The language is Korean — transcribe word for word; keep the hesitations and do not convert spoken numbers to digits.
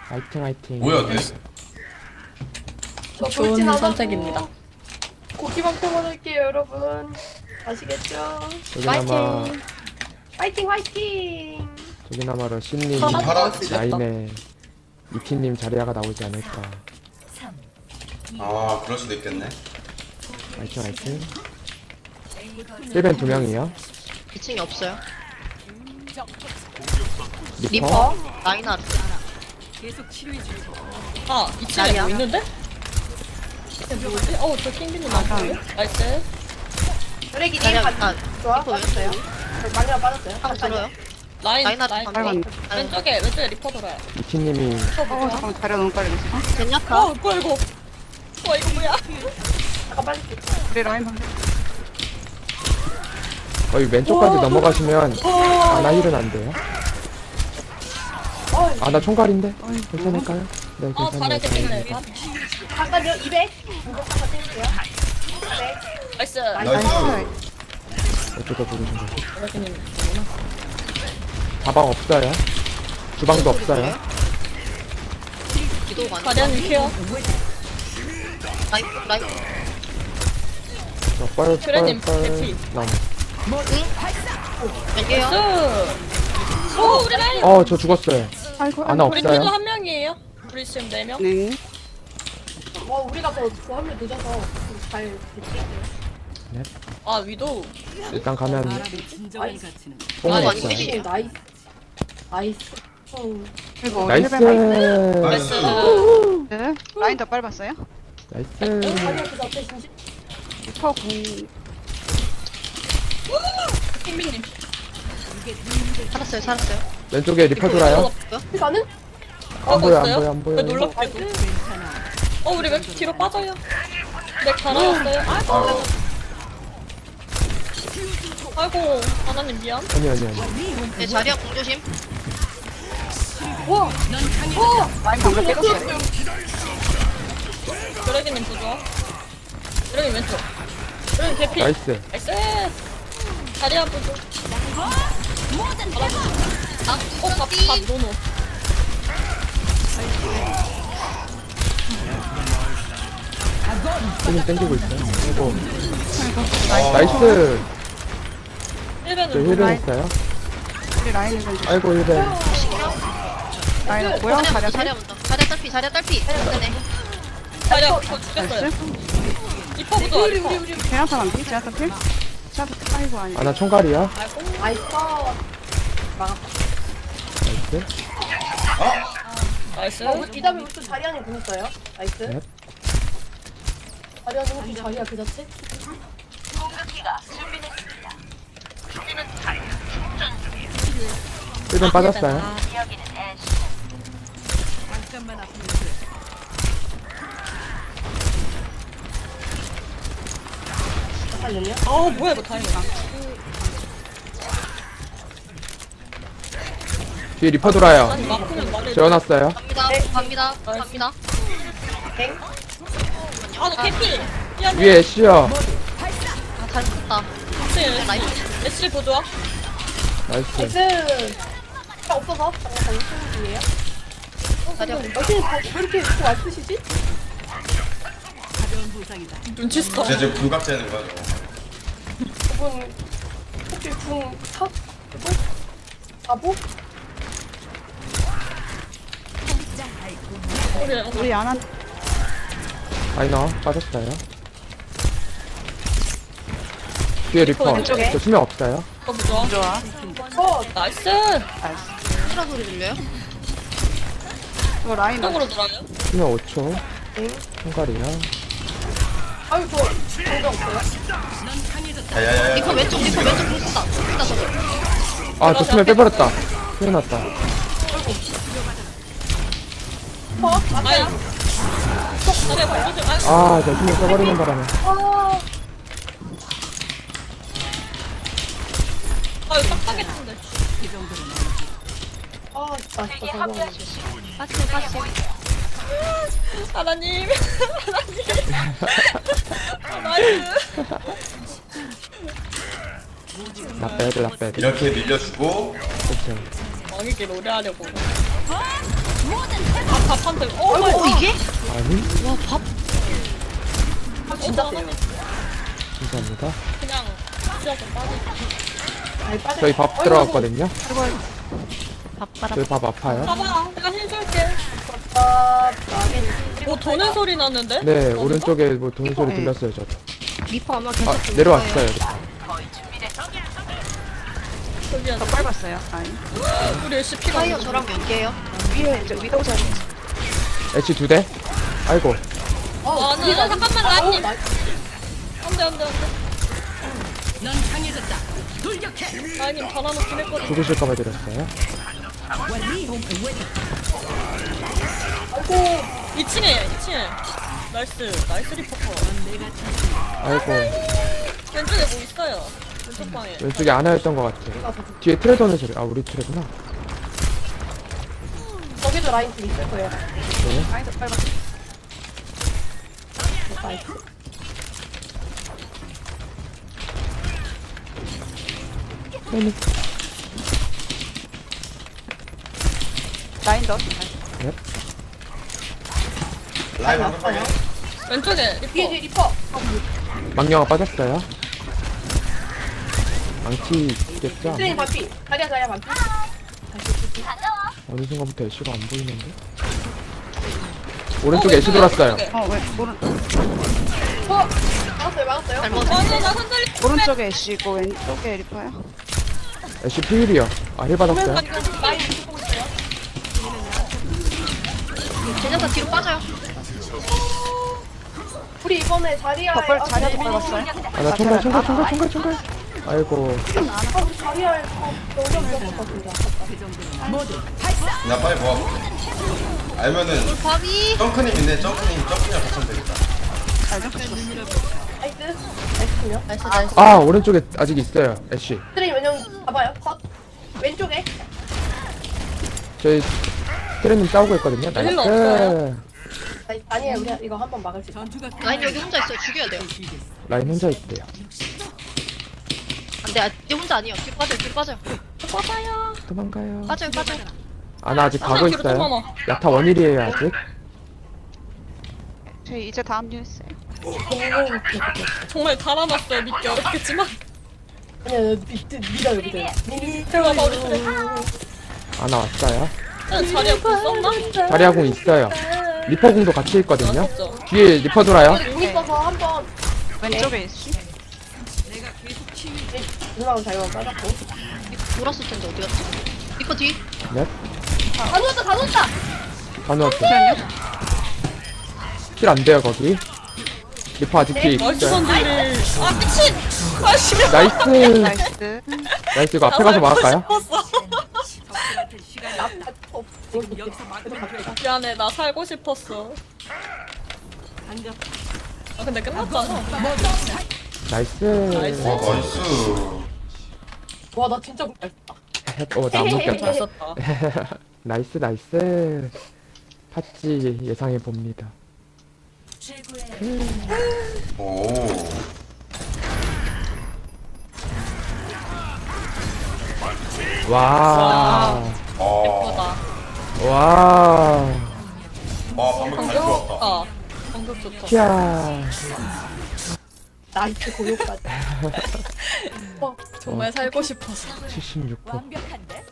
화이팅 화이팅. 뭐야 돼? 저 좋은 돌진 안 하고 선택입니다. 고기만 퍼먹을게요 여러분. 아시겠죠? 저기나마 화이팅 화이팅. 저기나마 러시님 파라 라인에 이티님 자리아가 나오지 않을까. 아 그럴 수도 있겠네. 화이팅 화이팅. 힐벤 두 명이요. 이 층에 없어요. 리퍼. 리퍼, 라인하르트. 아, 이 층에 아니야. 뭐 있는데? 이게 뭐지? 어, 저 킹빈님 나왔어요? 나이스. 쓰레기님 자리야, 반 아, 좋아 리퍼 빠졌어요. 많이가 빠졌어요. 한번 들어요. 라인, 라인하르트 라인. 반대. 라인. 왼쪽에, 왼쪽에 리퍼 돌아요. 이티님이 어 잠깐만 자리가 너무 빨리 됐어. 젠야카. 어, 뭐야, 이거. 와, 이거 뭐야? 잠깐 빠질게. 우리 라인 방금 거의 왼쪽까지 넘어가시면 아나 힐은 안 돼요. 아나 총괄인데 괜찮을까요? 네 아, 괜찮아요. 잘했겠네. 다행이다. 잠깐요. 이백. 이거 잠깐 띄울게요. 이백. 나이스. 나이스. 어쩌다 부르신 거지? 여기님. 가방 없어요. 주방도 없어요. 기도 많이. 가디언님 케어. 라인, 라인. 저 뻘, 그래님, 뻘, 뻘, 개피. 나무. 여기요. 나이스. 오, 우리 라인. 어, 저 죽었어요. 아이고 아나 우리 팀도 없어요. 한 명이에요. 우리 지금 네 명. 네 어 우리가 더한명 늦어서 잘 됐지. 아, 위도. 일단 가면 나이스. 뽕은 아니, 없어요. 아니, 나이스. 나이스. 응. 그리고 나이스. 힐벤 라인 나이스. 네. 라인 더 빨봤어요? 나이스. 아니야 그 앞에 진심. 리퍼 공 킹빈님. 살았어요, 살았어요. 왼쪽에 리퍼 돌아요. 가는? 안 보여, 안 보여, 안 보여. 왜 놀랍게도. 어, 우리 왼쪽 뒤로 빠져요. 네, 갈아왔어요. 아이고. 아이고, 하나님 미안. 아니, 아니, 아니. 네, 자리야 공조심. 라인 방금 깨졌어요. 드래기님 부좋아. 드래기 왼쪽. 드래기 개피. 나이스. 나이스. 다리야 부좋. 아, 어, 밥, 밥, 노노. 힘이 땡기고 있어요. 아이고. 나이스. 저 일벤은 힐은 했어요. 우리 라인 힐벤 좀 아이고, 힐은. 라인 뭐야? 자리야, 자리야 자리야 먼저. 자리야 딸피, 자리야 딸피. 네네. 다리야 저 죽였어요. 나이스. 리퍼 부좋아, 리퍼. 제나타 반피? 제나타 필? 제나타 아이고 아니 아나 총괄이야. 아이고. 나이스. 나이스. 나이스. 어, 이 다음에 우리 또 자리안에 보냈어요. 나이스. 네. 자리안에 혹시 자리야 그 자체? 힐은 빠졌어요. 잠깐만요. 아, 뭐야 이거 다행이다. 뒤에 리퍼 돌아요. 아니 막으면 말해. 재워놨어요. 갑니다, 갑니다, 갑니다. 땡. 아, 너 개피. 미안해. 위에 애쉬요. 아, 잘 붙었다. 혹시 나이스. 애쉬 부좋아? 나이스. 나이스. 차 없어서 잠깐 무슨 중이에요? 자리야. 어떻게 왜 이렇게 이렇게 와프시지? 눈치 스톱. 이제 지금 불각 재는 거야 저거. 저분 혹시 궁 탑? 그거? 바보? 우리 우리 안한 아이나 빠졌어요. 뒤에 리퍼. 왼쪽에. 저 수명 없어요. 거 부좋아. 좋아 어 나이스. 나이스 소라 소리 들려요? 이거 라인 쪽으로 돌아요. 수명 오 초. 땡. 총괄이야. 아유 저 정도 없어요? 야야야야. 리퍼 왼쪽, 리퍼 왼쪽 공 쓴다. 쓴다, 저거. 아, 저 수명 빼버렸다. 큰일 났다. 어? 아야. 다리야 발로좀. 아, 아, 저 수명 써버리는 바람에. 아 아 이거 빡빡했는데. 아 진짜 진짜 저거 빠지, 빠지. 하나님. 하나님. 아, 나이스. 나빼드, 나빼드. 이렇게 밀려주고 그쵸. 왕에게 노래하려고. 밥한테 어 마이 어 이게? 아니 와 밥. 아 진짜 세요. 감사합니다. 그냥 진짜 좀 빠져. 저희 밥 들어갔거든요. 밥바라. 저희 밥 아파요. 봐봐 내가 해줄게. 아, 뭐 도는 소리 났는데? 네 오른쪽에 뭐 도는 소리 네. 들렸어요 저도. 리퍼 아마 계속 아 돌 내려왔어요. 저기야 더 빨았어요 라인. 우리 애쉬 피가 파이어 저랑 몇 개예요? 위에 이제 위도우 자리. 애쉬 두 대. 아이고 아, 아니, 나 잠깐만, 라인님. 안 돼, 안 돼, 안 돼. 넌 강해졌다. 돌격해. 라인님 달아놓긴 했거든. 죽으실까봐 드렸어요. 이 층에, 이 층에. 나이스, 나이스 리퍼커. 아이고 왼쪽에 뭐 있어요. 왼쪽 방에. 왼쪽에 아나였던 것 같아. 뒤에 트레 도는 소리. 아 우리 트레구나. 저기도 라인 좀 있을 거예요. 라인 더 빨았어. 라인 더. 라인 한 번에. 왼쪽에 뒤에 리퍼. 뒤에 리퍼. 망령아 빠졌어요. 망치 있겠죠? 트레인 반피. 자리야 자리야 반피. 어느 순간부터 애쉬가 안 보이는데? 오른쪽에 애쉬 돌았어요. 어왜 오른 어, 막았어요 막았어요. 잘못. 아니, 나 흔들리. 오른쪽에 애쉬고 왼쪽에 리퍼요. 애쉬 피일이요. 아 힐 받았어요. 라인 이렇게 보고 있어요. 제자사 뒤로 빠져요. 우리 이번에 자리야. 더 빨, 자리도 빨았어요. 아나 총괄 총괄 총괄 총괄 총괄. 아이고 자리야. 너무 어렵다 진짜. 나 빨리 모아볼게. 알면은 밥이. 점크님 있네. 점크님 점크님 같으면 되겠다. 나이스. 나이스요. 나이스 나이스. 아 오른쪽에 아직 있어요 애쉬. 트레인 왜냐면 봐봐요. 컷. 왼쪽에. 저희 트레님 싸우고 있거든요. 힐러 나이스. 없어요? 아니, 아니에요. 우리 이거 한 번 막을 수 있어. 라인 여기 혼자 있어요. 죽여야 돼요. 라인 혼자 있대요. 안돼. 아, 얘 혼자 아니에요. 뒤로 빠져요. 뒤로 빠져요. 빠져요. 도망가요. 빠져요. 빠져요. 아나 아직 가고 뒤로 좀 있어요. 넘어. 야타 원일이에요 아직. 저희 이제 다음 뉴스. 정말 달아놨어요. 믿기 어렵겠지만. 아니야, 믿, 믿어요, 믿어요. 들어가봐, 우리 그래. 아나 왔어요. 자리 앞에 썼나? 자리아공 있어요. 리퍼공도 같이 있거든요. 없죠. 뒤에 리퍼 돌아요. 공 있어서 한 번 왼쪽에 애쉬. 누나가 잘못 빠졌고. 돌았을 텐데 어디 갔지? 리퍼 뒤. 넷. 다 누웠다, 다 누웠다! 다 넣었어. 잠시만요. 힐안 돼요 거기. 리퍼 아직 뒤에 나이스 있어요. 선딜. 아, 미친! 아, 씨발. 나이스. 나이스. 나이스 이거 앞에 가서 막을까요? 나, 나, 어, 미안해, 나 살고 싶었어. 아, 근데 끝났잖아. 나이스. 나이스. 와 나이스. 와, 나 진짜 못 뺐다. 어나 못 잘 꼈다. 썼다. 나이스 나이스. 팥지 예상해 봅니다. 오. 와. 아. 예쁘다. 와. 와 방금 잘 좋았다. 아, 방금 좋다. 캬. 나이스 고요까지. 정말 살고 싶어서. 칠십육 호.